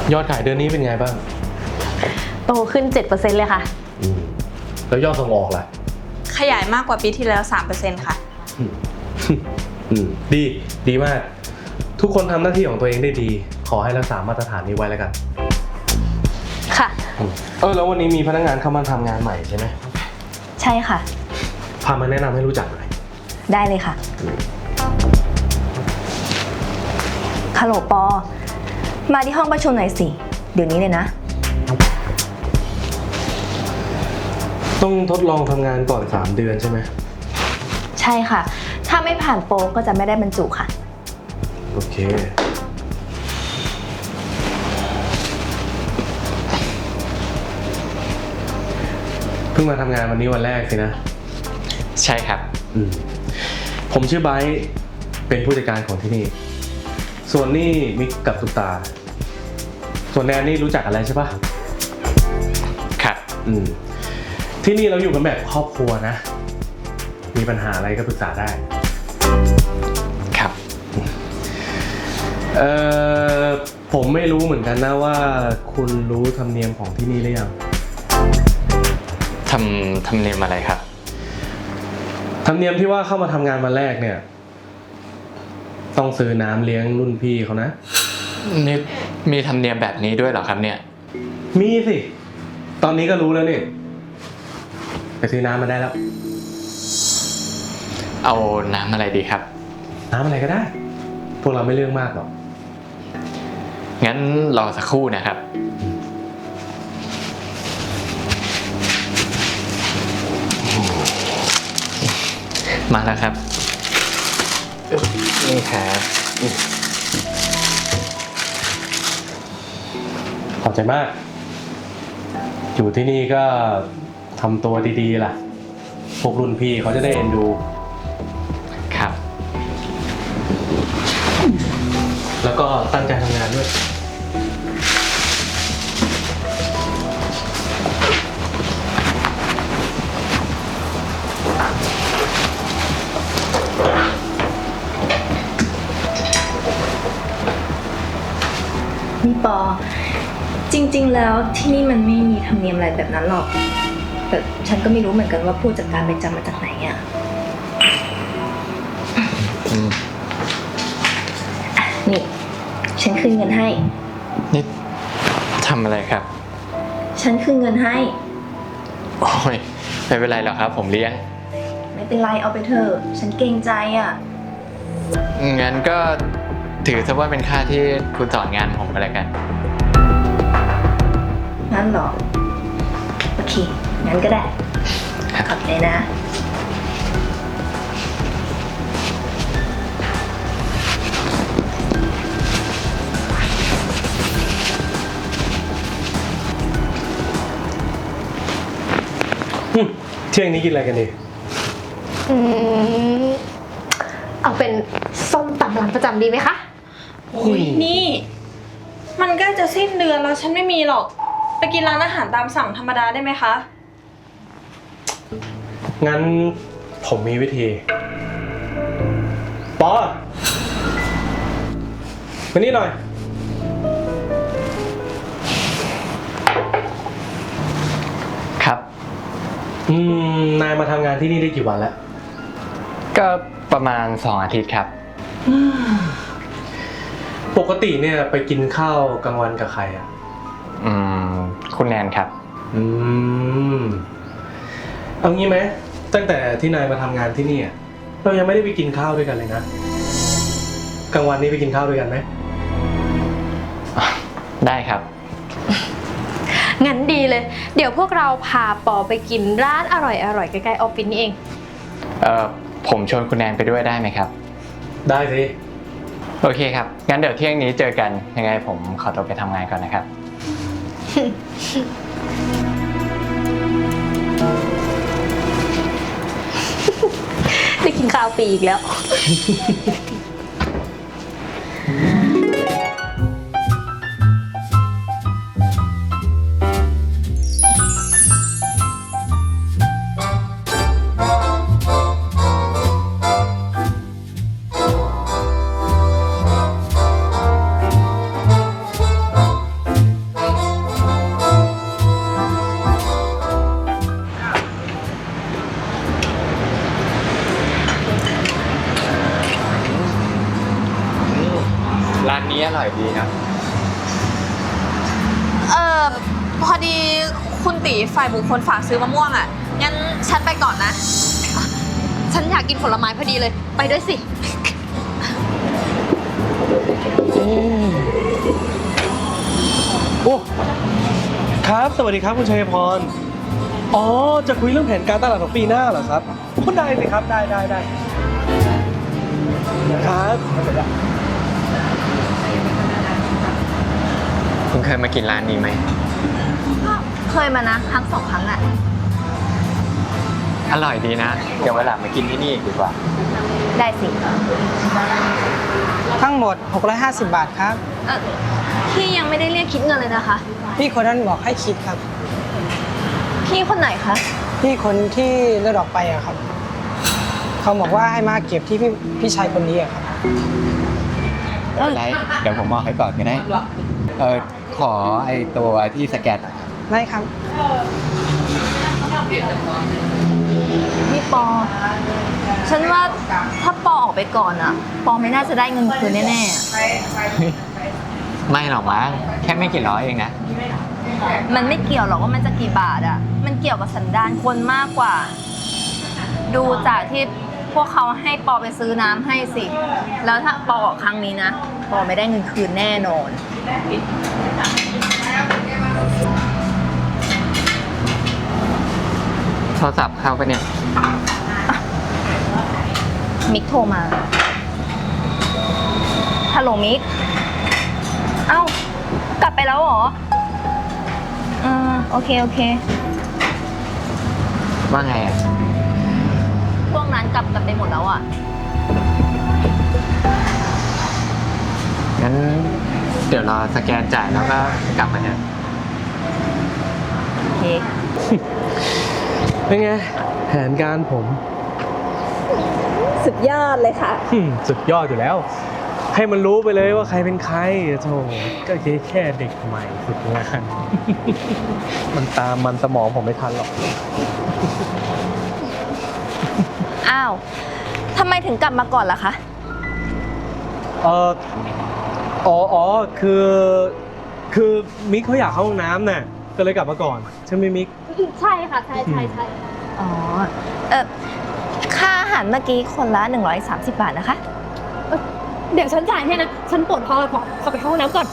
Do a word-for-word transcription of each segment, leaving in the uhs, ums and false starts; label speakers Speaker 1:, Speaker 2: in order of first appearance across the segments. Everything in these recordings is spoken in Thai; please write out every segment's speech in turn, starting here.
Speaker 1: ยอดขายเดือนนี้เป็นไงบ้าง
Speaker 2: โตขึ้น เจ็ดเปอร์เซ็นต์ เลยค่ะ
Speaker 1: แล้วยอดส่งออกล่ะ
Speaker 3: ขยายมากกว่าปีที่แล้ว สามเปอร์เซ็นต์ ค่ะ
Speaker 1: ดีดีมากทุกคนทำหน้าที่ของตัวเองได้ดีขอให้รักษามาตรฐานนี้ไว้แล้วกัน
Speaker 2: ค่ะ
Speaker 1: เออแล้ววันนี้มีพนักงานเข้ามาทำงานใหม่ใช่ไหม
Speaker 2: ใช่ค่ะ
Speaker 1: พามาแนะนำให้รู้จักหน่อย
Speaker 2: ได้เลยค่ะฮัลโหลปอมาที่ห้องประชุมหน่อยสิเดี๋ยวนี้เลยนะ
Speaker 1: ต้องทดลองทำงานก่อนสามเดือนใช่ไหม
Speaker 2: ใช่ค่ะถ้าไม่ผ่านโปรก็จะไม่ได้บรรจุค่ะ
Speaker 1: โอเคเพิ่งมาทำงานวันนี้วันแรกสินะ
Speaker 4: ใช่ครับ
Speaker 1: อืมผมชื่อไบร์ทเป็นผู้จัดการของที่นี่ส่วนนี่มิกกับสุตาส่วนแนนนี่รู้จักอะไรใช่ปะ
Speaker 4: ครับ
Speaker 1: อืมที่นี่เราอยู่กันแบบครอบครัวนะมีปัญหาอะไรก็ปรึกษาได้
Speaker 4: ครับ
Speaker 1: เอ่อผมไม่รู้เหมือนกันนะว่าคุณรู้ธรรมเนียมของที่นี่หรือยัง
Speaker 4: ทำธรรมเนียมอะไรครับ
Speaker 1: ธรรมเนียมที่ว่าเข้ามาทำงานวันแรกเนี่ยต้องซื้อน้ำเลี้ยงรุ่นพี่เขานะ
Speaker 4: นี่มีธรรมเนียมแบบนี้ด้วยเหรอครับเนี่ย
Speaker 1: มีสิตอนนี้ก็รู้แล้วนี่ไปซื้อน้ำมาได้แล้ว
Speaker 4: เอาน้ำอะไรดีครับ
Speaker 1: น้ำอะไรก็ได้พวกเราไม่เรื่องมากหรอก
Speaker 4: งั้นรอสักครู่นะครับมาแล้วครับนี่ครับ
Speaker 1: ขอบใจมากอยู่ที่นี่ก็ทำตัวดีๆล่ะพวกรุ่นพี่เขาจะได้เอ็นดู
Speaker 4: ครับ
Speaker 1: แล้วก็ตั้งใจทำงานด้วย
Speaker 2: นี่ปอจริงๆแล้วที่นี่มันไม่มีธรรมเนียมอะไรแบบนั้นหรอกแต่ฉันก็ไม่รู้เหมือนกันว่าผู้จัดการไปจำมาจากไหนอ่ะนี่ฉันคืนเงินให้
Speaker 4: นี่ทำอะไรครับ
Speaker 2: ฉันคืนเงินให้
Speaker 4: โอ้ยไม่เป็นไรหรอกครับผมเลี้ยง
Speaker 2: ไม่เป็นไรเอาไปเถอะฉันเกรงใจอ่ะ
Speaker 4: งั้นก็ถือซะว่าเป็นค่าที่คุณสอนงานผมไปแล้วกัน
Speaker 2: งั้นหรอโอเคงั้นก็ได้ขอบใจนะ
Speaker 1: เที่ยงนี้กินอะไรกันดี
Speaker 2: อืมเอาเป็นส้มตำร้านประจำดีไหมคะ
Speaker 3: โอ้ยนี่มันใกล้จะสิ้นเดือนแล้วฉันไม่มีหรอกไปกินร้านอาหารตามสั่งธรรมดาได้ไหมคะ
Speaker 1: งั้นผมมีวิธีปอมานี่หน่อย
Speaker 4: ครับ
Speaker 1: อืมนายมาทำงานที่นี่ได้กี่วันแล้ว
Speaker 4: ก็ประมาณสองอาทิตย์ครับ
Speaker 1: ปกติเนี่ยไปกินข้าวกลางวันกับใครอ่ะ
Speaker 4: อืมคุณแนนครับ
Speaker 1: อืมเอางี้ไหมตั้งแต่ที่นายมาทำงานที่นี่เรายังไม่ได้ไปกินข้าวด้วยกันเลยนะกลางวันนี้ไปกินข้าวด้วยกันไหม
Speaker 4: ได้ครับ
Speaker 2: งั้นดีเลยเดี๋ยวพวกเราพาปอไปกินร้านอร่อยๆใกล้ๆออฟฟิศนี่เอง
Speaker 4: เอ่อผมชวนคุณแนนไปด้วยได้ไหมครับ
Speaker 1: ได้สิ
Speaker 4: โอเคครับงั้นเดี๋ยวเที่ยงนี้เจอกันยังไงผมขอตัวไปทำงานก่อนนะครับ
Speaker 2: ได้กินข้าวปีอีกแล้ว
Speaker 4: ร้านนี้อร่อยดีนะ
Speaker 3: เออพอดีคุณตีฝ่ายบุคคลฝากซื้อมะม่วงอ่ะ งั้นฉันไปก่อนนะ ฉันอยากกินผลไม้พอดีเลย ไปด้วยสิ
Speaker 1: โอ้ครับ สวัสดีครับคุณชัยพร อ๋อ จะคุยเรื่องแผนการตลาดของปีหน้าเหรอครับพูดได้สิครับ ได้ได้ได้ครับ
Speaker 4: คุณเคยมากินร้านนี้ไหม
Speaker 2: เคยมานะครั้งสองครั้งอะ
Speaker 4: อร่อยดีนะ เดี๋ยวเวลามากินที่นี่อีกดีกว่า
Speaker 2: ได้สิ
Speaker 5: ทั้งหมด หกร้อยห้าสิบ บาทครับ
Speaker 2: เออพี่ยังไม่ได้เรียกคิดเงินเลยนะคะ
Speaker 5: พี่คนนั้นบอกให้คิดครับ
Speaker 2: พี่คนไหนคะ
Speaker 5: พี่คนที่เลือดออกไปอะครับ เขาบอกว่าให้มาเก็บที่พี่พี่ชายคนนี้อะครับ
Speaker 4: อะไร เดี๋ยวผมมองให้ก่อนก็ได้ เออขอไอตัวที่สแกนหน่อย
Speaker 5: ได้ครับ
Speaker 2: พี่ปอ ฉันว่าถ้าปอออกไปก่อนอะปอไม่น่าจะได้เงินคืนแน่ๆอะ
Speaker 4: ไม่หรอกมั้งแค่ไม่กี่ร้อยเองนะ
Speaker 2: มันไม่เกี่ยวหรอกว่ามันจะกี่บาทอะมันเกี่ยวกับสันดานคนมากกว่า ดูจากที่พวกเขาให้ปอไปซื้อน้ำให้สิ แล้วถ้าปอออกครั้งนี้นะ ปอไม่ได้เงินคืนแน่นอน
Speaker 4: โทรศัพท์เข้าไปเนี่ย
Speaker 2: มิกโทรมา ฮัลโหลมิก เอ้า กลับไปแล้วเหรออืมโอเค โอเค
Speaker 4: ว่าไงอ่ะ
Speaker 2: พวกนั้นกลับกันไปหมดแล้วอ่ะ
Speaker 4: งั้นเดี๋ยวรอสแกนจ่ายแล้วก็กลับมาเนี่ย
Speaker 2: โอเค
Speaker 1: เป็นไง แผนการผม
Speaker 2: สุดยอดเลยค่ะ
Speaker 1: อืมสุดยอดอยู่แล้ว ให้มันรู้ไปเลยว่าใครเป็นใครโธ่ก็แค่แค่เด็กใหม่ฝึกงาน มันตามมันสมองผมไม่ทันหรอก
Speaker 2: อ้าวทำไมถึงกลับมาก่อนล่ะคะ
Speaker 1: เอออ๋ออ๋อคือ คือมิกเขาอยากเข้าห้องน้ำน่ะ ก็เลยกลับมาก่อน ใช่ไหมมิก
Speaker 6: ใช่ค่ะ ใช่ใช่ใช่
Speaker 2: อ๋อ เออค่าอาหารเมื่อกี้คนละหนึ่งร้อยสามสิบบาทนะคะ
Speaker 6: เดี๋ยวฉันจ่ายให้นะ ฉันปวดท้องเลยขอขอไปเข้าห้องน้ำก่อน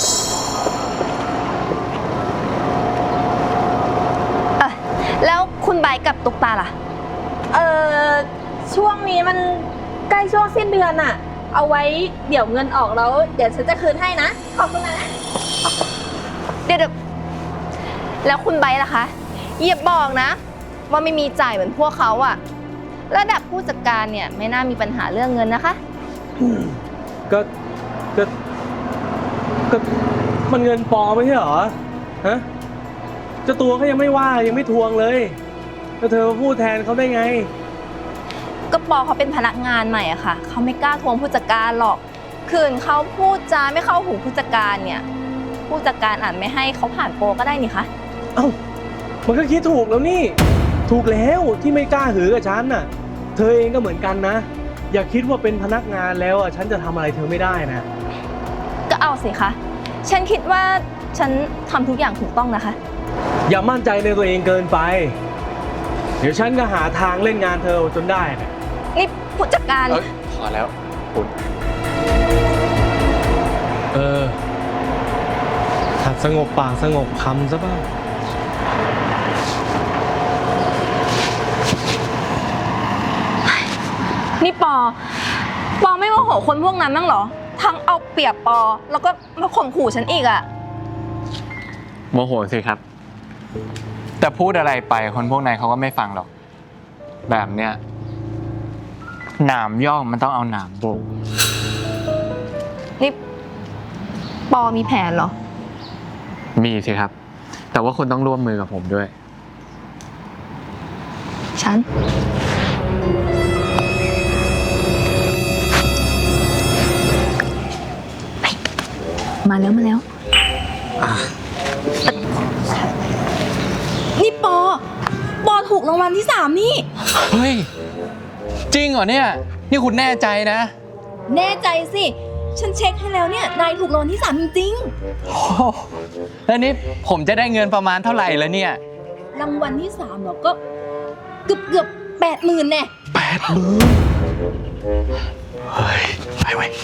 Speaker 2: เออแล้วคุณใบร์ทกับตุ๊กตาล่ะ
Speaker 3: เออช่วงนี้มันใกล้ช่วงสิ้นเดือนอะเอาไว้เดี๋ยวเงินออกแล้ว เดี๋ยวฉันจะคืนให้นะ ขอบคุณนะ
Speaker 2: เดี๋ยวเดี๋ยวแล้วคุณใบร์ทล่ะคะอย่าบอกนะ ว่าไม่มีจ่ายเหมือนพวกเขาอะระดับผู้จัดการเนี่ยไม่น่ามีปัญหาเรื่องเงินนะคะ
Speaker 1: ก็ก็ก็มันเงินปลอมไม่ใช่เหรอ ฮะเจ้าตัวเขายังไม่ว่ายังไม่ทวงเลยแล้วเธอมาพูดแทนเขาได้ไง
Speaker 2: ก็ปอเขาเป็นพนักงานใหม่อะค่ะ เขาไม่กล้าทวงผู้จัดการหรอก คืนเขาพูดจาไม่เข้าหูผู้จัดการเนี่ย ผู้จัดการอาจไม่ให้เขาผ่านโปรก็ได้นี่คะ
Speaker 1: เอ้ามันก็คิดถูกแล้วนี่ ถูกแล้วที่ไม่กล้าหือกับฉันน่ะ เธอเองก็เหมือนกันนะ อย่าคิดว่าเป็นพนักงานแล้วอ่ะฉันจะทำอะไรเธอไม่ได้นะ
Speaker 2: ก็เอาสิคะ ฉันคิดว่าฉันทำทุกอย่างถูกต้องนะคะ
Speaker 1: อย่ามั่นใจในตัวเองเกินไป เดี๋ยวฉันก็หาทางเล่นงานเธอจนได้นะ
Speaker 2: นี่ผู้จัดการ
Speaker 4: เอ้ยพอแล้วคุณ
Speaker 1: เออหัดสงบปากสงบคำซะบ้าง
Speaker 2: นี่ปอ ปอไม่โมโหคนพวกนั้นบ้างเหรอ ทั้งเอาเปรียบปอ แล้วก็มาข่มขู่ฉันอีกอะ
Speaker 4: โมโหสิครับ แต่พูดอะไรไปคนพวกนั้นเขาก็ไม่ฟังหรอก แบบเนี้ยหนามย่องมันต้องเอาหนามโบก
Speaker 2: นี่ปอมีแผนเหรอ
Speaker 4: มีสิครับ แต่ว่าคุณต้องร่วมมือกับผมด้วย
Speaker 2: ฉัน มาแล้วมาแล้ว นี่ปอ ปอถูกรางวัลที่สามนี่
Speaker 4: เฮ้ย จริงเหรอเนี่ย นี่คุณแน่ใจนะ
Speaker 2: แน่ใจสิฉันเช็คให้แล้วเนี่ย นายถูกรางวัลที่สามจริง
Speaker 4: โอ้โหแล้วนี่ผมจะได้เงินประมาณเท่าไหร่แล้วเนี่ย
Speaker 2: ๆ รางวัลที่สามเหรอ ก็เกือบเกือบแปดหมื่นแน่
Speaker 1: แปดหมื่นเฮ้ย ไปไว้ย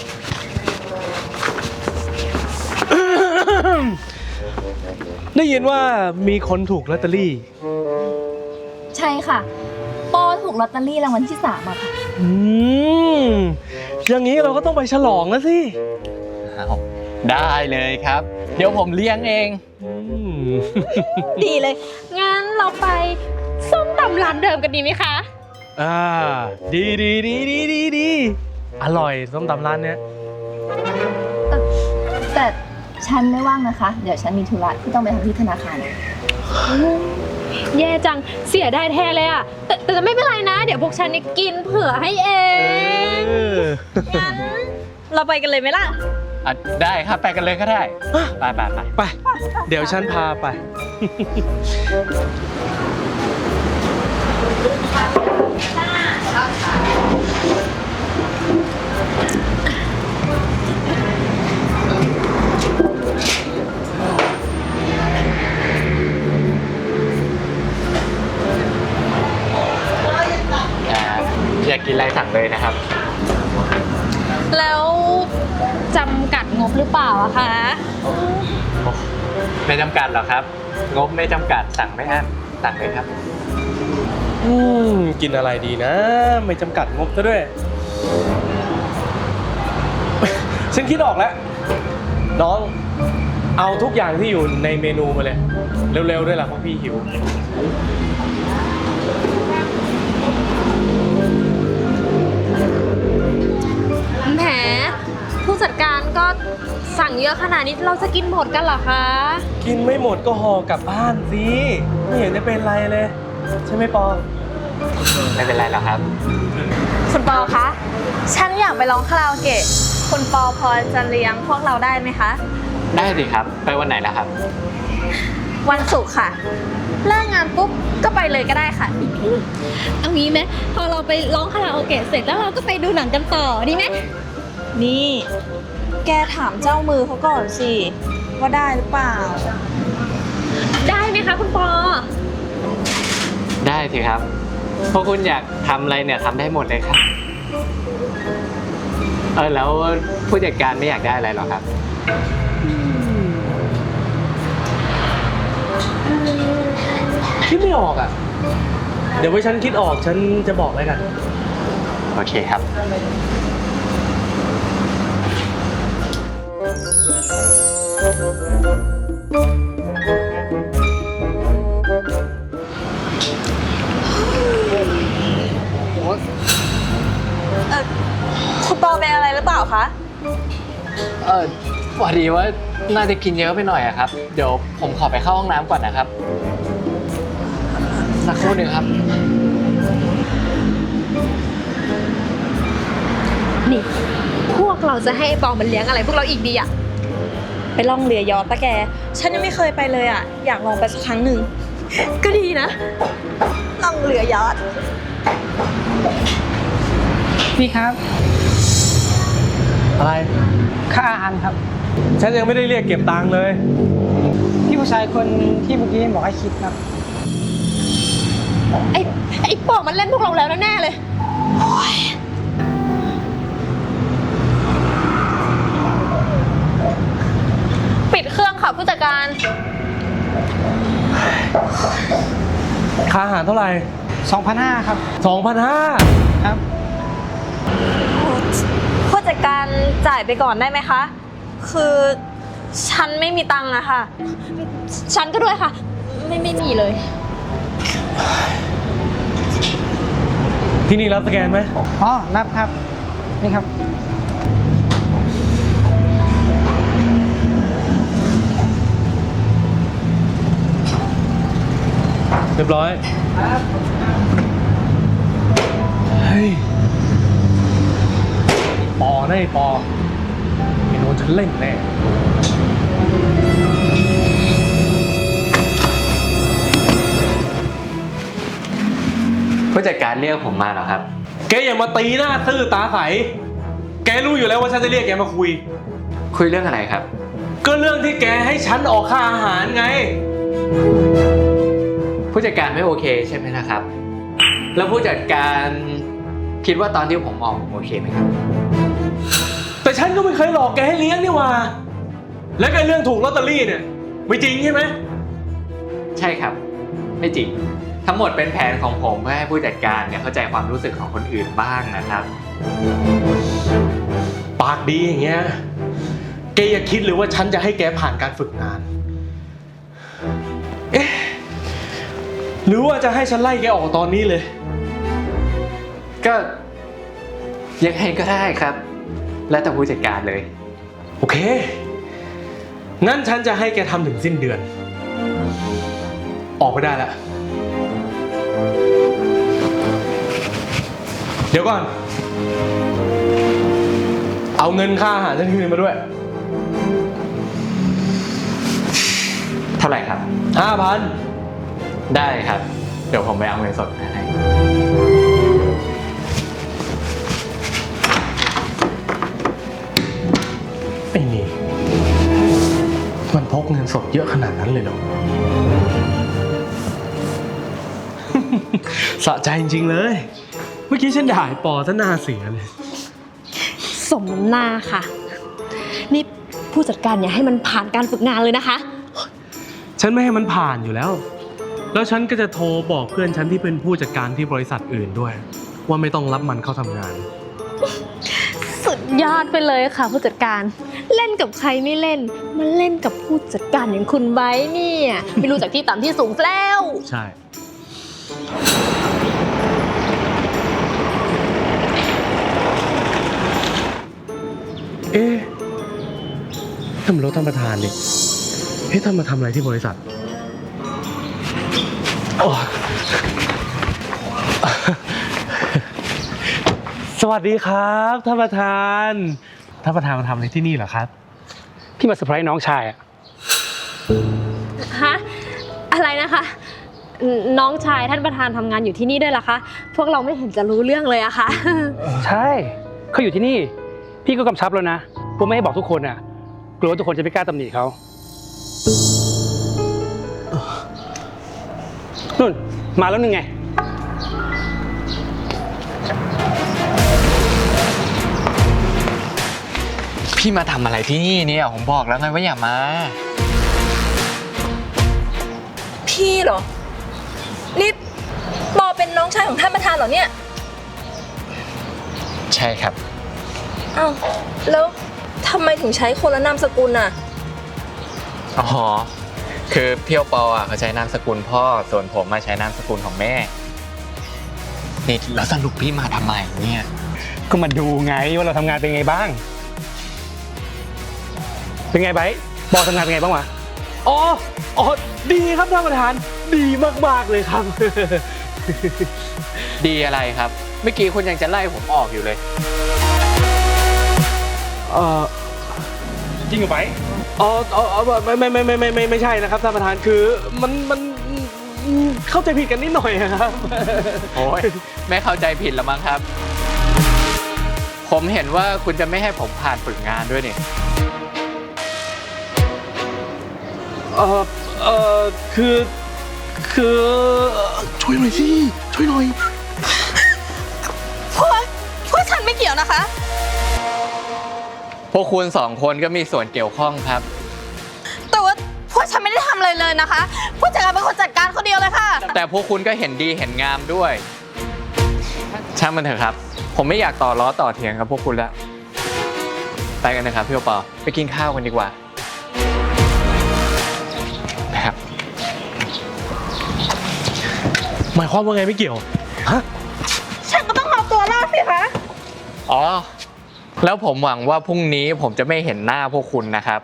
Speaker 1: ได้ยินว่ามีคนถูกลอตเตอรี่
Speaker 2: ใช่ค่ะ ปอถูกลอตเตอรี่รางวัลที่สามอะค่ะ
Speaker 1: อืม อย่างนี้เราก็ต้องไปฉลองแล้วสิ
Speaker 4: เอาได้เลยครับ เดี๋ยวผมเลี้ยงเอง
Speaker 1: อืม
Speaker 6: ดีเลย งั้นเราไปส้มตำร้านเดิมกันดีไหมคะ
Speaker 1: อ่า ดีดีดีดีดีดีอร่อยส้มตำร้านเนี้ย
Speaker 2: แต่ฉันไม่ว่างนะคะ เดี๋ยวฉันมีธุระที่ต้องไปทำที่ธนาคาร
Speaker 6: แย่จัง เสียได้แท้เลยอะแต่แต่ไม่เป็นไรนะ เดี๋ยวพวกฉันนี่กินเผื่อให้เอง
Speaker 1: เออ
Speaker 3: งั้นเราไปกันเลยไหมล่ะ
Speaker 4: อ่ะได้ครับไปกันเลยก็ได้ ไปไปไป
Speaker 1: ไป เดี๋ยวฉันพาไป
Speaker 4: อ่าอยากกินอะไรสั่งเลยนะครับ
Speaker 6: แล้วจำกัดงบหรือเปล่าอะคะ
Speaker 4: โอ้ไม่จำกัดหรอกครับ งบไม่จำกัดสั่งไม่อั้นสั่งเลยครับ
Speaker 1: อืม กินอะไรดีนะ ไม่จำกัดงบซะด้วย ฉันคิดออกแล้ว น้อง เอาทุกอย่างที่อยู่ในเมนูมาเลย เร็วๆด้วยล่ะเพราะพี่หิว
Speaker 6: แหมผู้จัดการก็สั่งเยอะขนาดนี้เราจะกินหมดกันเหรอคะ
Speaker 1: กินไม่หมดก็ห่อกลับบ้านสิ ไม่เห็นจะเป็นไรเลย ใช่ไหมปอ
Speaker 4: ไม่เป็นไรหรอกครับ
Speaker 3: คุณปอคะ ฉันอยากไปร้องคาราโอเกะ คุณปอพอจะเลี้ยงพวกเราได้ไหมคะ
Speaker 4: ได้สิครับ ไปวันไหนล่ะครับ
Speaker 3: วันศุกร์ค่ะ เลิกงานปุ๊บก็ไปเลยก็ได้ค่ะ
Speaker 6: เอางี้ไหมพอเราไปร้องคาราโอเกะเสร็จแล้วเราก็ไปดูหนังกันต่อดีไหม
Speaker 3: นี่ แกถามเจ้ามือเขาก่อนสิ ว่าได้หรือเปล่า
Speaker 6: ได้ไหมคะคุณปอ
Speaker 4: ได้สิครับพวกคุณอยากทำอะไรเนี่ยทำได้หมดเลยครับ เออแล้วผู้จัดการไม่อยากได้อะไรหรอครับ
Speaker 1: คิดไม่ออกอ่ะ เดี๋ยวไว้ฉันคิดออกฉันจะบอกแล้วกัน
Speaker 4: โอเคครับ
Speaker 3: เออคุณปอเป็นอะไรหรือเปล่าคะ
Speaker 4: เออพอดีว่าน่าจะกินเยอะไปหน่อยอะครับ เดี๋ยวผมขอไปเข้าห้องน้ำก่อนนะครับ สักครู่หนึ่งครับ
Speaker 6: นี่ พวกเราจะให้ไอ้ปอมันเลี้ยงอะไรพวกเราอีกดีอะ
Speaker 3: ไปล่องเรือยอชต์ปะแก ฉันยังไม่เคยไปเลยอ่ะ อยากลองไปสักครั้งหนึ่ง
Speaker 6: ก็ดีนะ
Speaker 3: ล่องเรือยอชต์
Speaker 5: พี่ครับ
Speaker 1: อะไร
Speaker 5: ค่าอาหารครับ
Speaker 1: ฉันยังไม่ได้เรียกเก็บตังค์เลย
Speaker 5: พี่ผู้ชายคนที่เมื่อกี้บอกให้คิดครับ
Speaker 6: ไอ้ไอ้ปอมันเล่นพวกเราแล้วแน่ๆเลย
Speaker 3: ปิดเครื่องค่ะผู้จัดการ
Speaker 1: ค่าอาหารเท่าไหร่
Speaker 5: สองพันห้าร้อย ครับ
Speaker 1: สองพันห้า
Speaker 5: ครับ
Speaker 3: ผู้จัดการจ่ายไปก่อนได้ไหมคะ คือฉันไม่มีตังค์อะค่ะ
Speaker 6: ฉันก็ด้วยค่ะ ไม่ไม่มีเลย
Speaker 1: ที่นี่รับสแกนไหม
Speaker 5: อ๋อ รับครับ นี่ครับ
Speaker 1: เรียบร้อย เฮ้ย ปอแน่ปอไอ้โดนฉันเล่นแน่
Speaker 4: ผู้จัดการเรียกผมมาเหรอครับ
Speaker 1: แกอย่ามาตีหน้าซื่อตาใสแกรู้อยู่แล้วว่าฉันจะเรียกแกมาคุย
Speaker 4: คุยเรื่องอะไรครับ
Speaker 1: ก็เรื่องที่แกให้ฉันออกค่าอาหารไง
Speaker 4: ผู้จัดการไม่โอเคใช่ไหมนะครับ แล้วผู้จัดการคิดว่าตอนที่ผมออกผมโอเคไหมครับ
Speaker 1: แต่ฉันก็ไม่เคยหลอกแกให้เลี้ยงนี่หว่า แล้วก็เรื่องถูกลอตเตอรี่เนี่ยไม่จริงใช่ไหม
Speaker 4: ใช่ครับ ไม่จริง ทั้งหมดเป็นแผนของผมเพื่อให้ผู้จัดการเนี่ยเข้าใจความรู้สึกของคนอื่นบ้างนะครับ
Speaker 1: ปากดีอย่างเงี้ย แกอย่าคิดเลยว่าฉันจะให้แกผ่านการฝึกงาน เอ๊ะ หรือว่าจะให้ฉันไล่แกออกตอนนี้เลย
Speaker 4: ก็ยังไงก็ได้ครับ แล้วแต่ผู้จัดการเลย
Speaker 1: โอเค งั้นฉันจะให้แกทำถึงสิ้นเดือน ออกไปได้แล้ว เดี๋ยวก่อน เอาเงินค่าอาหารฉันคืนมาด้วย
Speaker 4: เท่าไหร่ครับ
Speaker 1: ห้าพัน
Speaker 4: ได้ครับ เดี๋ยวผมไปเอาเงินสดมาให้
Speaker 1: ไอ้นี่มันพกเงินสดเยอะขนาดนั้นเลยเหรอ สะใจจริงๆเลย เมื่อกี้ฉันด่าไอ้ปอซะหน้าเสียเลย
Speaker 6: สมน้ำหน้าค่ะ นี่ผู้จัดการอย่าให้มันผ่านการฝึกงานเลยนะคะ
Speaker 1: ฉันไม่ให้มันผ่านอยู่แล้ว แล้วฉันก็จะโทรบอกเพื่อนฉันที่เป็นผู้จัดการที่บริษัทอื่นด้วย ว่าไม่ต้องรับมันเข้าทำงาน
Speaker 6: สุดยอดไปเลยค่ะ ผู้จัดการเล่นกับใครไม่เล่นมาเล่นกับผู้จัดการอย่างคุณไบร์ทเนี่ยไม่รู้จากที่ต่ำที่สูงซะแล้ว
Speaker 1: ใช่ เอ๊ะทำรถท่านประธานดิเฮ้ยท่านมาทำอะไรที่บริษัทโอ้สวัสดีครับท่านประธานท่านประธานมาทำอะไรที่นี่เหรอครับ
Speaker 5: พี่มาเซอร์ไพรส์น้องชายอะ
Speaker 6: ฮะอะไรนะคะนน้องชายท่านประธานทำงานอยู่ที่นี่ด้วยเหรอคะพวกเราไม่เห็นจะรู้เรื่องเลยอะค่ะ
Speaker 5: ใช่เขาอยู่ที่นี่ พี่ก็กำชับแล้วนะว่าไม่ให้บอกทุกคนอะกลัวว่าทุกคนจะไม่กล้าตำหนิเขานู่นมาแล้วนึงไง
Speaker 4: พี่มาทำอะไรที่นี่เนี่ย ผมบอกแล้วไงว่าอย่ามา
Speaker 3: พี่เหรอ นี่ปอเป็นน้องชายของท่านประธานเหรอเนี่ย
Speaker 4: ใช่ครับ
Speaker 3: อ้าว แล้วทำไมถึงใช้คนละนามสกุลน่ะ
Speaker 4: อ๋อ คือเพียวปออ่ะเขาใช้นามสกุลพ่อ ส่วนผมมาใช้นามสกุลของแม่ นี่แล้วสรุปพี่มาทำไมเนี่ย
Speaker 5: ก็มาดูไงว่าเราทำงานเป็นไงบ้าง เป็นไงไบร์ทบอสทำงานเป็นไงบ้างวะ
Speaker 1: อ๋อ อ๋อ ดีครับท่านประธาน ดีมากๆเลยครับ
Speaker 4: ดีอะไรครับ เมื่อกี้คุณยังจะไล่ผมออกอยู่เลย
Speaker 1: เอ่อ
Speaker 5: จริงเหรอไบร์ท
Speaker 1: อ๋ออ๋อไม่ไม่ไม่ไม่ไม่ไม่ไม่ใช่นะครับท่านประธาน คือมันมันเข้าใจผิดกันนิดหน่อยครับ
Speaker 4: โอ้ยไม่เข้าใจผิดแล้วมั้งครับ ผมเห็นว่าคุณจะไม่ให้ผมผ่านฝึกงานด้วยนี่
Speaker 1: เอ่อ เอ่อ คือ คือ ช่วยหน่อยสิ ช่วยหน่อย
Speaker 3: พวกพวกฉันไม่เกี่ยวนะคะ
Speaker 4: พวกคุณสองคนก็มีส่วนเกี่ยวข้องครับ
Speaker 3: แต่ว่าพวกฉันไม่ได้ทำอะไรเลยนะคะ ผู้จัดการเป็นคนจัดการคนเดียวเลยค่ะ
Speaker 4: แต่พวกคุณก็เห็นดีเห็นงามด้วย ช่างมันเถอะครับ ผมไม่อยากต่อล้อต่อเถียงกับพวกคุณแล้ว ไปกันนะครับพี่โอปอไปกินข้าวกันดีกว่านะครับ
Speaker 1: หมายความว่าไงไม่เกี่ยว ฮะ
Speaker 3: ฉันก็ต้องเอาตัวรอดสิคะ
Speaker 4: อ๋อ แล้วผมหวังว่าพรุ่งนี้ผมจะไม่เห็นหน้าพวกคุณนะครับ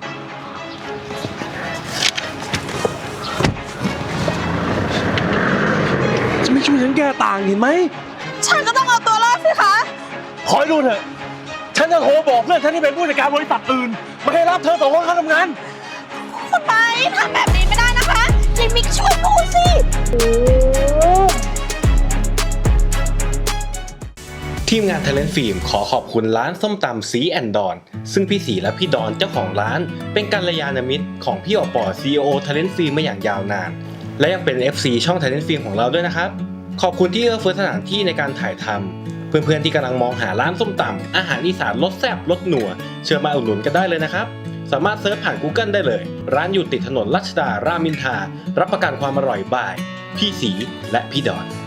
Speaker 1: จะไม่ช่วยฉันแก้ต่างเห็นไหม
Speaker 3: ฉันก็ต้องเอาตัวรอดสิคะ
Speaker 1: ขอให้ดูเถอะ ฉันจะโทรบอกเพื่อนฉันที่เป็นผู้จัดการบริษัทอื่นไม่ให้รับเธอสองคนเข้าทำงาน
Speaker 3: คุณไบร์ททำแบบนี้ไม่ได้นะคะจิมมิกช่วยพูดสิ
Speaker 7: ทีมงาน Talent Film ขอขอบคุณร้านส้มตำซีแอนดอนซึ่งพี่สีและพี่ดอนเจ้าของร้านเป็นกัลยาณมิตรของพี่อปอ ซี อี โอ Talent Film มาอย่างยาวนานและยังเป็น เอฟ ซี ช่อง Talent Film ของเราด้วยนะครับขอบคุณที่เอื้อเฟื้อสถานที่ในการถ่ายทำเพื่อนๆที่กำลังมองหาร้านส้มตำอาหารอีสานรสแซ่บรสหนัวเชิญมาอุดหนุนกันได้เลยนะครับสามารถเซิร์ชผ่าน Google ได้เลยร้านอยู่ติดถนนรัชดา รามอินทรารับประกันความอร่อยบ่ายพี่สีและพี่ดอน